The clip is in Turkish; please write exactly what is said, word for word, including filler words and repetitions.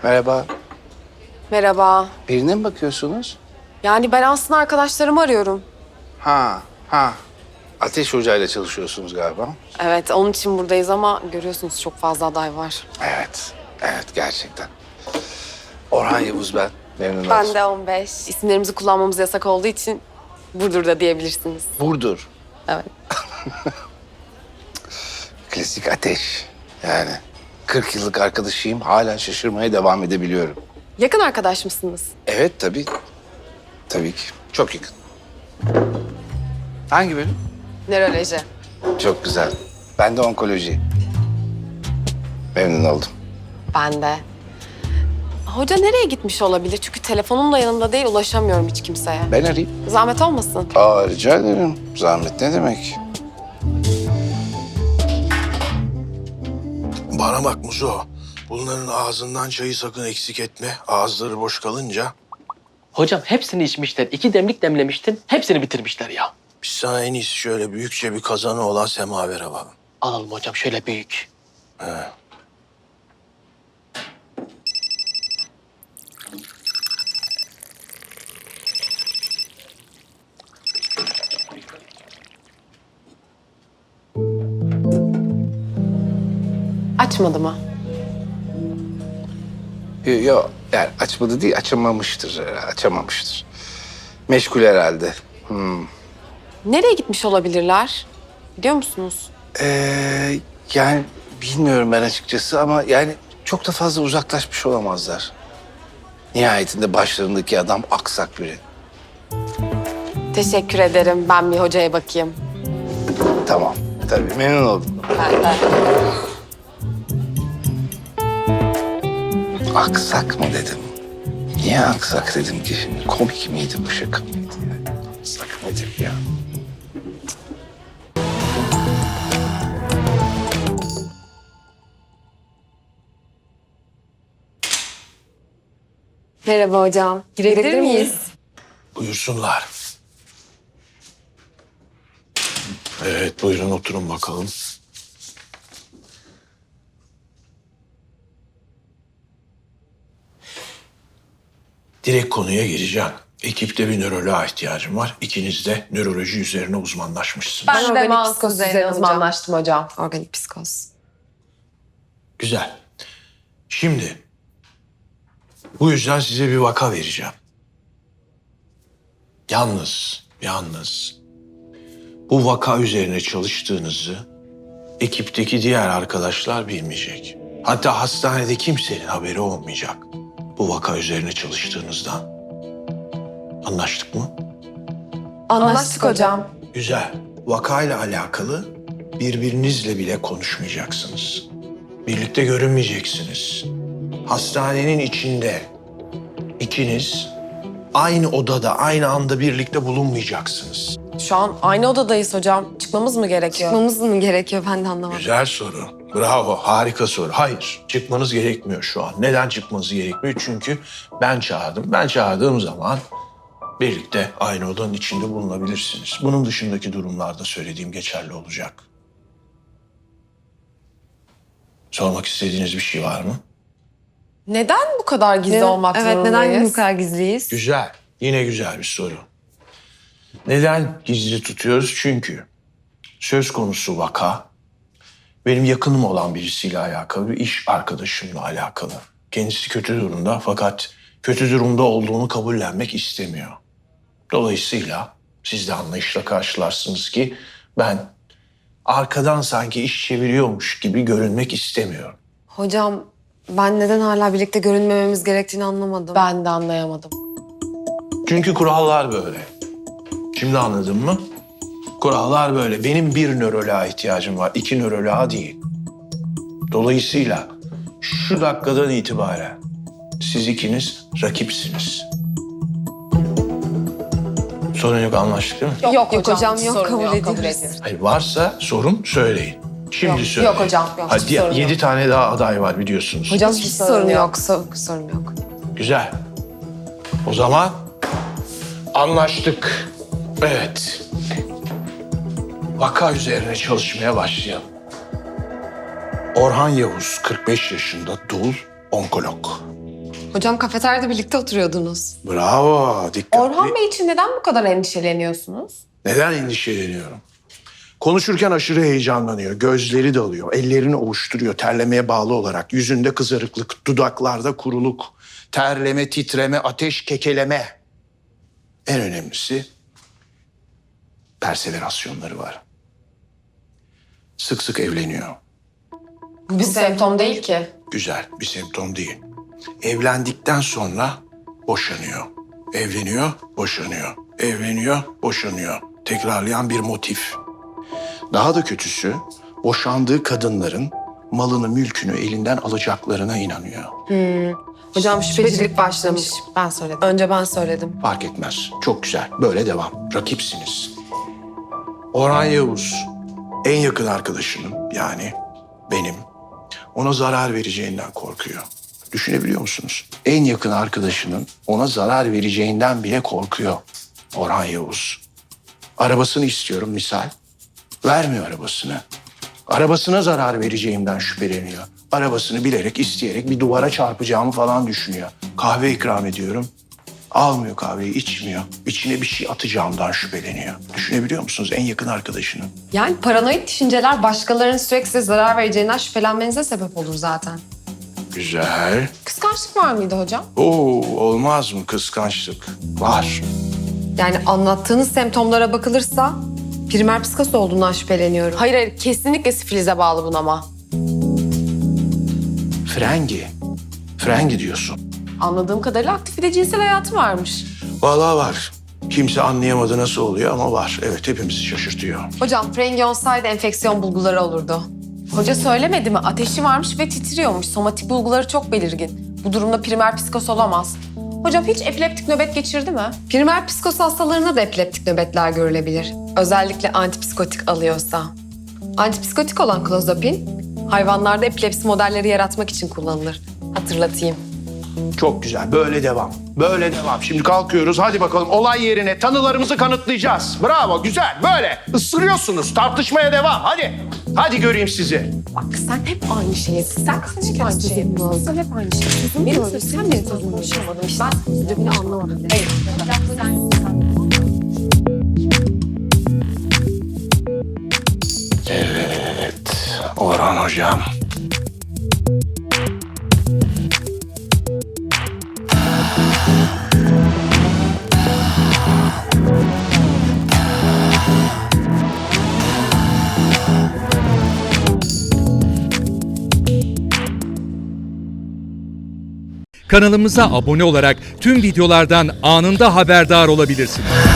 Merhaba. Merhaba. Birine mi bakıyorsunuz? Yani ben aslında arkadaşlarımı arıyorum. Ha, ha. Ateş Hoca'yla çalışıyorsunuz galiba. Evet, onun için buradayız ama görüyorsunuz çok fazla aday var. Evet, evet gerçekten. Orhan Yavuz ben. Memnun oldum. Ben de on beş. İsimlerimizi kullanmamız yasak olduğu için Burdur'da diyebilirsiniz. Burdur. Evet. Klasik Ateş. Yani kırk yıllık arkadaşıyım. Hala şaşırmaya devam edebiliyorum. Yakın arkadaş mısınız? Evet tabii. Tabii ki. Çok yakın. Hangi bölüm? Nöroloji. Çok güzel. Ben de onkoloji. Memnun oldum. Ben de. Hoca nereye gitmiş olabilir? Çünkü telefonum da yanımda değil, ulaşamıyorum hiç kimseye. Ben arayayım. Zahmet olmasın. Aa, rica ederim. Zahmet ne demek? Bana bak Muzo. Bunların ağzından çayı sakın eksik etme. Ağızları boş kalınca Hocam hepsini içmişler. İki demlik demlemiştin. Hepsini bitirmişler ya. biz sana en iyisi şöyle büyükçe bir kazanı olan semavere alalım. Alalım hocam şöyle büyük. Açmadı mı? Yok, yo, yani açmadı değil, açamamıştır. herhalde, Açamamıştır. Meşgul herhalde. Hmm. Nereye gitmiş olabilirler? Biliyor musunuz? Ee, yani bilmiyorum ben açıkçası ama yani çok da fazla uzaklaşmış olamazlar. Nihayetinde başlarındaki adam aksak biri. Teşekkür ederim. Ben bir hocaya bakayım. Tamam, tabii memnun oldum. Ben de. Aksak mı dedim? Niye aksak dedim ki şimdi? Komik miydi bu, şaka mıydı yani? Aksak nedir ya? Merhaba hocam. Girebilir miyiz? Buyursunlar. Evet buyurun oturun bakalım. Direkt konuya gireceğim. Ekipte bir nöroloğa ihtiyacım var. İkiniz de nöroloji üzerine uzmanlaşmışsınız. Ben de organik psikoz üzerine uzmanlaştım hocam. Organik psikoz. Güzel. Şimdi bu yüzden size bir vaka vereceğim. Yalnız, yalnız bu vaka üzerine çalıştığınızı ekipteki diğer arkadaşlar bilmeyecek. Hatta hastanede kimsenin haberi olmayacak bu vaka üzerine çalıştığınızdan. Anlaştık mı? Anlaştık hocam. Güzel. Vakayla alakalı birbirinizle bile konuşmayacaksınız. Birlikte görünmeyeceksiniz. Hastanenin içinde ikiniz aynı odada, aynı anda birlikte bulunmayacaksınız. Şu an aynı odadayız hocam. Çıkmamız mı gerekiyor? Çıkmamız mı gerekiyor? Ben de anlamadım. Güzel soru. Bravo, harika soru. Hayır, çıkmanız gerekmiyor şu an. Neden çıkmanız gerekmiyor? Çünkü ben çağırdım. Ben çağırdığım zaman birlikte aynı odanın içinde bulunabilirsiniz. Bunun dışındaki durumlarda söylediğim geçerli olacak. Sormak istediğiniz bir şey var mı? Neden bu kadar gizli Neden- olmak evet, zorundayız? neden bu kadar gizliyiz? Güzel. Yine güzel bir soru. Neden gizli tutuyoruz? Çünkü söz konusu vaka benim yakınım olan birisiyle alakalı, bir iş arkadaşımla alakalı. Kendisi kötü durumda fakat kötü durumda olduğunu kabullenmek istemiyor. Dolayısıyla siz de anlayışla karşılarsınız ki ben arkadan sanki iş çeviriyormuş gibi görünmek istemiyorum. Hocam ben neden hala birlikte görünmememiz gerektiğini anlamadım. Ben de anlayamadım. Çünkü kurallar böyle. Şimdi anladın mı? Kurallar böyle. Benim bir nöroloğa ihtiyacım var, iki nöroloğa değil. Dolayısıyla şu dakikadan itibaren siz ikiniz rakipsiniz. Sorun yok, anlaştık değil mi? Yok, Yok hocam, yok, sorun kabul yok, ediyoruz. ediyoruz. Hayır, varsa sorun söyleyin. Şimdi Yok, söyleyin. yok hocam, yok, Hadi hiç sorun yedi yok. tane daha aday var biliyorsunuz. Hocam Hiç hiç sorun sorun yok. yok. so- sorun yok. Güzel. O zaman anlaştık. Evet. Vaka üzerine çalışmaya başlayalım. Orhan Yavuz, kırk beş yaşında, dul, onkolog. Hocam kafeteryada birlikte oturuyordunuz. Bravo, dikkatli. Orhan Bey için neden bu kadar endişeleniyorsunuz? Neden endişeleniyorum? Konuşurken aşırı heyecanlanıyor, gözleri dalıyor, ellerini ovuşturuyor terlemeye bağlı olarak. Yüzünde kızarıklık, dudaklarda kuruluk, terleme, titreme, ateş, kekeleme. En önemlisi perseverasyonları var. Sık sık evleniyor. Bu bir semptom değil ki. Güzel, bir semptom değil. Evlendikten sonra boşanıyor. Evleniyor, boşanıyor. Evleniyor, boşanıyor. Tekrarlayan bir motif. Daha da kötüsü, boşandığı kadınların malını, mülkünü elinden alacaklarına inanıyor. Hocam şüphecilik başlamış. Ben söyledim. Önce ben söyledim. Fark etmez. Çok güzel. Böyle devam. Rakipsiniz. Orhan Yavuz, en yakın arkadaşının yani benim ona zarar vereceğinden korkuyor. Düşünebiliyor musunuz? En yakın arkadaşının ona zarar vereceğinden bile korkuyor Orhan Yavuz. Arabasını istiyorum misal. Vermiyor arabasını. Arabasına zarar vereceğimden şüpheleniyor. Arabasını bilerek, isteyerek bir duvara çarpacağımı falan düşünüyor. Kahve ikram ediyorum. Almıyor kahveyi, içmiyor. İçine bir şey atacağımdan şüpheleniyor. Düşünebiliyor musunuz en yakın arkadaşının? Yani paranoid düşünceler başkalarının sürekli size zarar vereceğinden şüphelenmenize sebep olur zaten. Güzel. Kıskançlık var mıydı hocam? Oo, olmaz mı kıskançlık? Var. Yani anlattığınız semptomlara bakılırsa primer psikoz olduğundan şüpheleniyorum. Hayır hayır kesinlikle sifilize bağlı bunama. Frengi. Frengi diyorsun. Anladığım kadarıyla aktif bir de cinsel hayatı varmış. Vallahi var. Kimse anlayamadı nasıl oluyor ama var. Evet, hepimizi şaşırtıyor. Hocam frengi olsaydı enfeksiyon bulguları olurdu. Hoca söylemedi mi? Ateşi varmış ve titriyormuş. Somatik bulguları çok belirgin. Bu durumda primer psikoz olamaz. Hocam hiç epileptik nöbet geçirdi mi? Primer psikoz hastalarına da epileptik nöbetler görülebilir. Özellikle antipsikotik alıyorsa. Antipsikotik olan klozapin hayvanlarda epilepsi modelleri yaratmak için kullanılır. Hatırlatayım. Çok güzel. Böyle devam. Böyle devam. Şimdi kalkıyoruz. Hadi bakalım olay yerine tanılarımızı kanıtlayacağız. Bravo. Güzel. Böyle. Isırıyorsunuz. Tartışmaya devam. Hadi. Hadi göreyim sizi. Bak sen hep aynı şeyi Sen hep aynı şeyi yapıyorsun. Sen hep aynı şeyi yapıyorsun. Benim sözüm sen benim sözümü konuşamadın. İşte ben sözümü anlamadım. Hayır. Evet. Orhan hocam. Kanalımıza abone olarak tüm videolardan anında haberdar olabilirsiniz.